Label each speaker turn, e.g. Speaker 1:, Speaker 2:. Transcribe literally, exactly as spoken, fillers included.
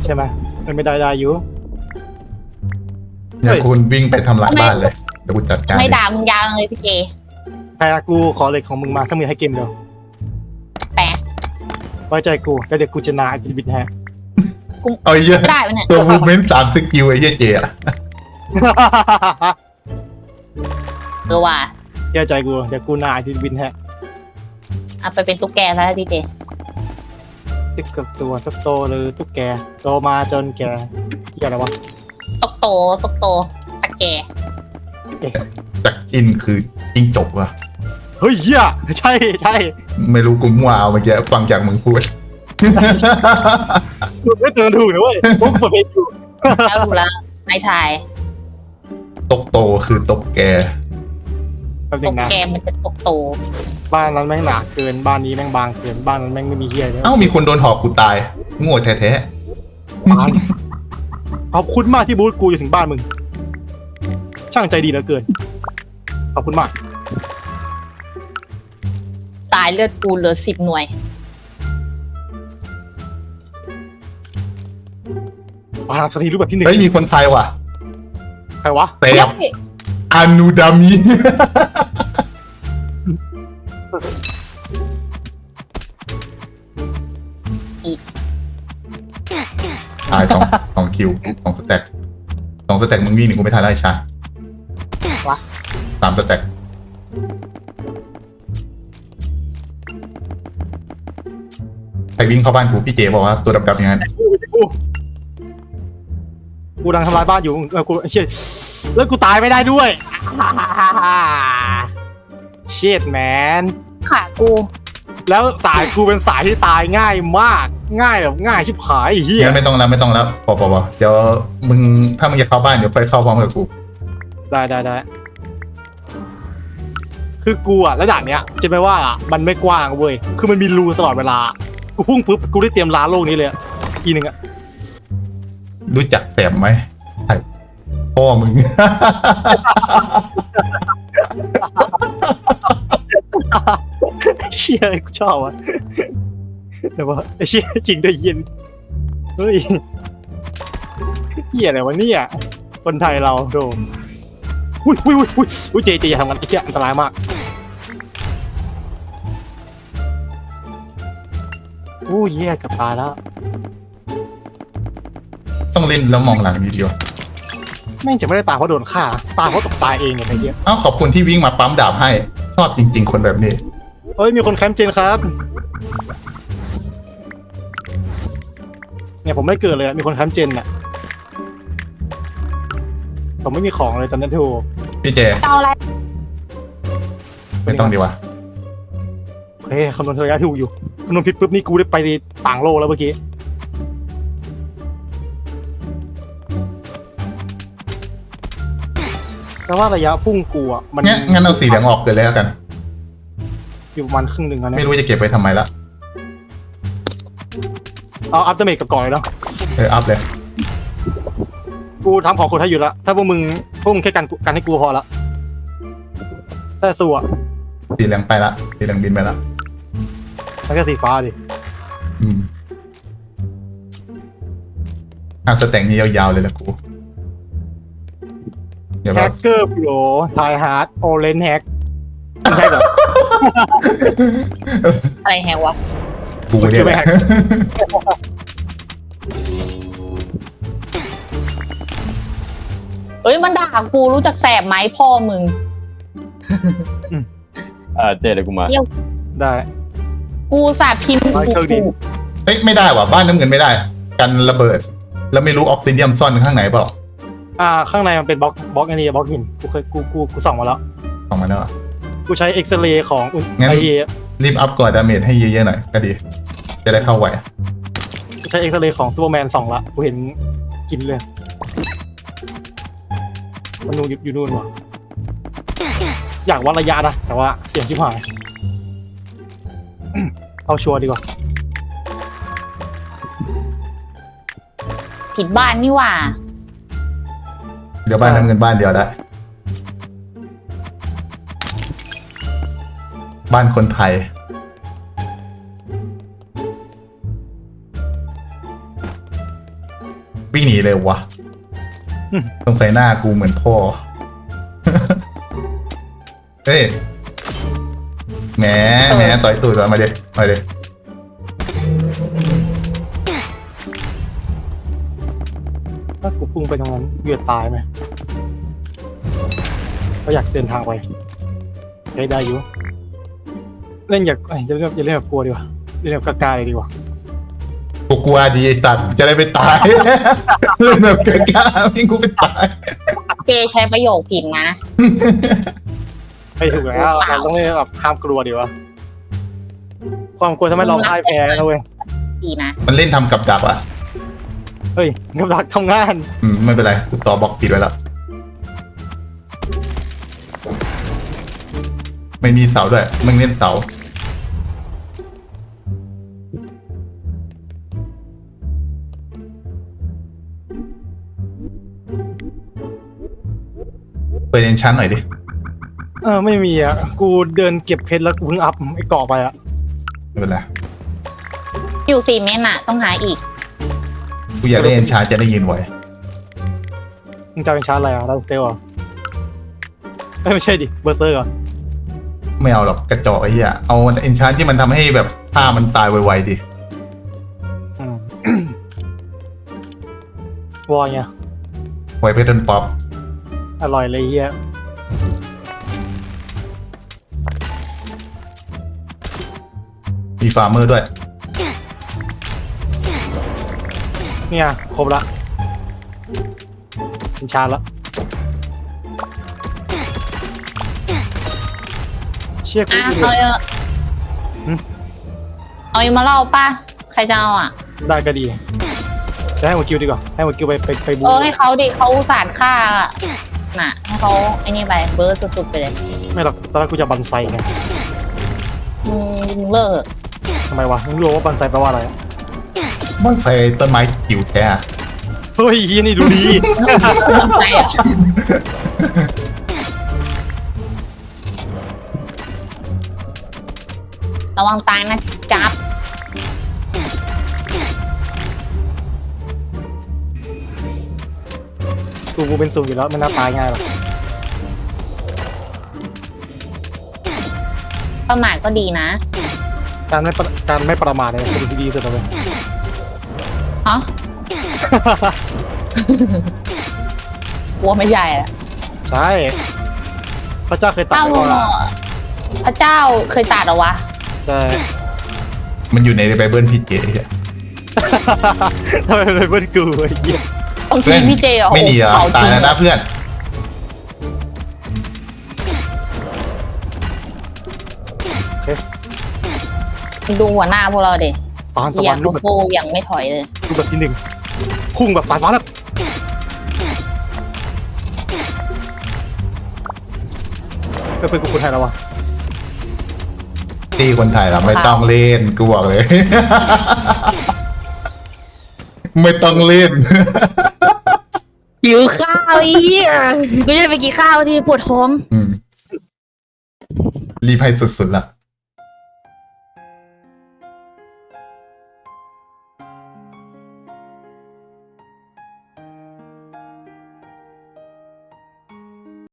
Speaker 1: ช่ไหมมันไม่ได้ได้อยู่
Speaker 2: อย่าคุณวิ่งไปทำลายบ้านเลยเดี๋ยวกูจัดการ
Speaker 3: ไม่ด่ามึงยาวเลยพี่เจ
Speaker 1: ใครกูขอเหล็กของมึงมาถ้ามึงให้เกมเดียว
Speaker 3: แปะ
Speaker 1: ไว้ใจกูแล้วเดี๋ยวกูจะนาไอ้บิดฮะ
Speaker 2: เอาเยอะ
Speaker 3: ได้ปะเนี่ย
Speaker 2: ตัวมูเมนต์สามสกิลไอ้เหี้ยเจอะ
Speaker 3: เออว่ะ
Speaker 1: เชื่อใจกูเดี๋ยวกูนาไอ้บิดฮะ
Speaker 3: เอาไปเป็นตุ๊กแกซะพี่เจ
Speaker 1: ติ๊กกับตัวตุ๊กโตเลยตุ๊กแกโตมาจนแกเกี่ยอะไรวะ
Speaker 3: ตกโตตกโตตะแก
Speaker 2: จากจินคือจิงจบวะ
Speaker 1: เฮ้ยเหี้ยใช่ใช่
Speaker 2: ไม่รู้กูมั่วเอาเมื่อกี้ฟังจากมึงพูด
Speaker 1: กูไม่เตือนถูกนะเว้ยพวกกูเปิดเพลงอยู่
Speaker 3: แล้วดูแล้วนายทาย
Speaker 2: ตกโตคือตกแก
Speaker 1: แป๊บนึ
Speaker 3: ต
Speaker 1: ง
Speaker 3: ก
Speaker 1: นะ
Speaker 3: แกมันจะตกโต
Speaker 1: บ้านนั้นแม่งหนาเกินบ้านนี้แม่งบางเกินบ้านนั้นแม่งไม่มีเหี้ยเลย
Speaker 2: เอ้ามีคนโดนหอกกูตายโง่แท้
Speaker 1: บ้านขอบคุณมากที่บูธกูอยู่ถึงบ้านมึงช่างใจดีเหลือเกินขอบคุณมาก
Speaker 3: ตายเลือดกูเหลือสิบหน่วย
Speaker 1: บ้านสตรีรูปแบบที่ห
Speaker 2: ๆ
Speaker 1: นึ่ง
Speaker 2: เฮ้ยมีคนไทยว่ะ
Speaker 1: ใครวะ
Speaker 2: เตะอานูดามิตายสองสองคิวสองสแต็กสองสแต็กมึงวิ่งหนึ่งกูไม่ทันไล่ชาว
Speaker 3: ะ
Speaker 2: สามสแต็กใครวิ่งเข้าบ้านกูพี่เจบอกว่าตัวดำๆอย่างนั้น
Speaker 1: กูกูกูดังทำลายบ้านอยู่เออกูเชี่ยแล้วกูตายไม่ได้ด้วยเชียดแมน
Speaker 3: ขากู
Speaker 1: แล้วสายกูเป็นสายที่ตายง่ายมากง่ายแบบง่ายชิบหายไอ้เฮีย
Speaker 2: งั้นไม่ต้องแล้วไม่ต้องแล้วพอพอพอเดี๋ยวมึงถ้ามึงจะเข้าบ้านเดี๋ยวไปเข้าพร้อมกับกู
Speaker 1: ได้ได้ได้คือกูอะแล้วด่านเนี้ยจะไม่ว่าอะมันไม่กว้างเว้ยคือมันมีรูตลอดเวลากูพุ่งปุ๊บกูได้เตรียมล้าโลกนี้เลยอะอีหนึ่งอะ
Speaker 2: รู้จักแสบไหมใช่พ่อมึง
Speaker 1: เชี่ยกูชอบอะแต่ว่าไอ้เชี่ยจริงด้วยเย็นเฮ้ยเฮียอะไรวะเนี่ยคนไทยเราโดมอุ้ยอุ้ยอุ้ยอุ้ยอุ้ยเจเจอย่าทำกันไอ้เชี่ยอันตรายมากโอ้ยเหี้ยเกับตายแล้ว
Speaker 2: ต้องเล่นแล้วมองหลังดีเดียว
Speaker 1: แม่งจะไม่ได้ตายเพราะโดนฆ่านะตายเพราะตกตายเองเนี่ยไอ้เหี้ย
Speaker 2: เอ้าขอบคุณที่วิ่งมาปั๊มดาบให้ชอบจริง ๆ คนแบบนี้
Speaker 1: เฮ้ยมีคนแคมป์เจนครับเนี่ยผมไม่เกิดเลยอะมีคนแคมป์เจนอะผมไม่มีของเลยตอนนั้นทู
Speaker 2: พี่เจ
Speaker 3: เอาอะไร
Speaker 2: ไม่ต้องดีวะ
Speaker 1: โอเคคำนวณระยะถูกอยู่คำนวณผิดปุ๊บนี่กูได้ไปต่างโลกแล้วเมื่อกี้แต่ว่าระยะพุ่งกูอะมัน
Speaker 2: งั้นงั้นเอาสีเหลืองออกเลยแล้วกัน
Speaker 1: อยู่ประมาณครึ่งหนึ่งอะ
Speaker 2: ไม่
Speaker 1: เนี่ย
Speaker 2: รู้จะเก็บไว้ทำไมละ
Speaker 1: เอาอัพเดเมจกับก่อนเลยเนาะ
Speaker 2: เอออัพเลย
Speaker 1: กูทำของคนให้อยู่แล้วถ้าพวกมึงพวกมึงแค่กันกันให้กูพอละแต่สู้อะ
Speaker 2: สีเหลืองไปละสีเหลืองบินไปละ
Speaker 1: มันก็สีฟ้าดิ
Speaker 2: อืมอ่ะสแต็งนี้ยาวๆเลยละกูเดี๋ยว
Speaker 1: แฮ
Speaker 2: เรา
Speaker 1: กเกอร์โปรไทฮาร์ดโอเลนแฮกใช่เหรอ
Speaker 3: อะไรแฮงวะ
Speaker 2: กูเนี่ยแหละ
Speaker 3: เอ้ยมันด่ากูรู้จักแสบไหมพ่อมึง
Speaker 4: อ่าเจเดี๋ยวกูมา
Speaker 1: ได้
Speaker 3: กูสาบพิมพ์
Speaker 1: ร้อยเชิงดิน
Speaker 3: กู
Speaker 2: เอ้ยไม่ได้ว่ะบ้านน้ำเงินไม่ได้ กันระเบิด แล้วไม่รู้ออกซิเดียมซ่อนข้างไหนเปล่า
Speaker 1: อ่าข้างในมันเป็นบล็อกบล็อกอันนี้บล็อกหินกูเคยกูกูกูส่องมาแล้ว
Speaker 2: ออกมาแล้วอ่ะ
Speaker 1: กูใช้เอ็กซเรย์ของ
Speaker 2: งั้น
Speaker 1: ไอเอ
Speaker 2: รีบอัพก่อนดาเมจให้เยอะๆหน่อยก็ดี จะได้เข้าไหว
Speaker 1: กูใช้เอ็กซเรย์ของซูเปอร์แมนส่องละกูเห็นกินเลยมันนู่นอยู่นู่นว่ะอยากวัดระยะนะแต่ว่าเสียงชิบหายเอาชัวร์ดีกว่า
Speaker 3: ผิดบ้านนี่หว่า
Speaker 2: เดี๋ยวบ้านน้ำเงินบ้านเดียวได้ บ้านคนไทยวิ่งหนีเลยวะ
Speaker 1: อืม
Speaker 2: ต้องใส่หน้ากูเหมือนพ่อ เฮ้ยแหมแหมต่อยตูดมาเด็มาเด็
Speaker 1: ถ้ากูพุ่งไปตรงนั้นกูจะตายไหมก็อยากเดินทางไปได้ได้อยู่เล่นอยากเอ้ยอย่าเล่นอย่าเล่นแบบกลัวดีกว่าเล่นแบบกล้าๆเลยดีกว่า
Speaker 2: กูกลัวดีไอ้สัตว์จะได้ไปตาย เล่นแบบกล้าๆพี่กูไปตาย
Speaker 3: เจใช้ประโยคผิดนะ
Speaker 1: ไม่ถูกแล้วเราต้องเล่นแบบห้ามกลัวดีวะความกลัวทำให้เราพ่ายแพ้นะเว้ย
Speaker 3: ดีนะ
Speaker 2: มันเล่นทำกับดักอะ
Speaker 1: เฮ้ยกำลังทำงาน
Speaker 2: อืมไม่เป็นไรกูต่อบล็อกปิดไว้แล้วไม่มีเสาด้วยมึงเล่นเสาเปิดเอนชั้นหน่อยดิ
Speaker 1: เออไม่มีอ่ะกูเดินเก็บเพชรแล้วกูเพิ่งอัพไอ้เกาะไปอ่ะ
Speaker 2: ไม่เป็นไร
Speaker 3: อยู่สี่เมตรน่ะ ต้องหาอีก
Speaker 2: กูอยากได้เอนชั้นจะได้ยินไว้
Speaker 1: มึงจะเป็นชาร์จอะไรอ่ะดันสเตลอ่ะเอ้ยไม่ใช่ดิเบอร์เซอร์อ่ะ
Speaker 2: ไม่เอาหรอกกระจอกไอ้เหี้ยเอาเอนชั้นที่มันทำให้แบบผ้ามันตายไวๆดิ
Speaker 1: อืม วอยไง
Speaker 2: ไวเพชรป๊อป
Speaker 1: อร่อยเลยเฮีย
Speaker 2: มีฟาร์มเมอร์ด้วย
Speaker 1: เนี่ยครบละเป็นชาร์จละเชี่ยกู
Speaker 3: อ่ะ
Speaker 1: ดู
Speaker 3: เอา
Speaker 1: ดิ
Speaker 3: เยอะ
Speaker 1: หืม
Speaker 3: เอาอีกมาเล่าป่ะ ใครจะเอาอ่ะ
Speaker 1: ได้ก็ดีจะให้หมดคิวดีกว่าให้หมดคิวไปไปไปบู
Speaker 3: เออให้เขาดิเขาอุตสาห์ฆ่าน่ะ ให้เขาไอ้นี่ไปเบิร์ดสุดๆไปเลย
Speaker 1: ไม่หรอกตอนแรกกูจะบันไซไง
Speaker 3: มึงมึงเลิก
Speaker 1: ทำไมวะมึงรู้ว่าบันไซแปลว่าอะไรอะ
Speaker 2: บ้านไฟต้นไม้จิ๋วแท้
Speaker 1: เฮ้ยเฮียนี่ดูดี
Speaker 3: ใครอ่ะระวังตายนะจับ
Speaker 1: กูกูเป็นสูงอยู่แล้วมันน่าตายง่ายหรอก
Speaker 3: ประมาทก็ดีนะ
Speaker 1: การไม่ประการไม่ประมาทเนี่ยเป็นสิ่งที่ดีที่สุดเลย
Speaker 3: ฮะ กลัวไม่ใหญ่อะ
Speaker 1: ใช่พระเจ้าเคยตัด
Speaker 3: เอ้า
Speaker 1: ไว้ว่า
Speaker 3: พระเจ้าเคยตัดเหรอวะ
Speaker 1: ใช่
Speaker 2: มันอยู่ในไบเบิลพี่เจอะ
Speaker 1: ทำไมเป็นเพื่อนกูไอ้เหี้ย
Speaker 3: บางทีพี่เจอ่ะ
Speaker 2: ไม่หนีเหรอ
Speaker 3: เผา
Speaker 2: ตา
Speaker 3: จ
Speaker 2: ย
Speaker 3: ริง
Speaker 2: แล้วนะเพื่อน
Speaker 3: ดูหัวหน้าพวกเราเด็
Speaker 1: ปานตะ
Speaker 3: เฮีย
Speaker 1: วัน
Speaker 3: ลู
Speaker 1: รู
Speaker 3: ก
Speaker 1: ปแบบ
Speaker 3: โฟยังไม่ถอยเลย
Speaker 1: รูปแบบที่หนึ่งพุ่งแบบสายฟ้าแบบเออเป็นกูคนไทยแล้ววะ
Speaker 2: ที่คนไทยเราไม่ต้องเล่นกูบอกเลย ไม่ต้องเล่น
Speaker 3: หิวข้าวอีกูจะไปกินข้าวที่ปวดท้อง
Speaker 2: อืมรีบให้สุดๆละ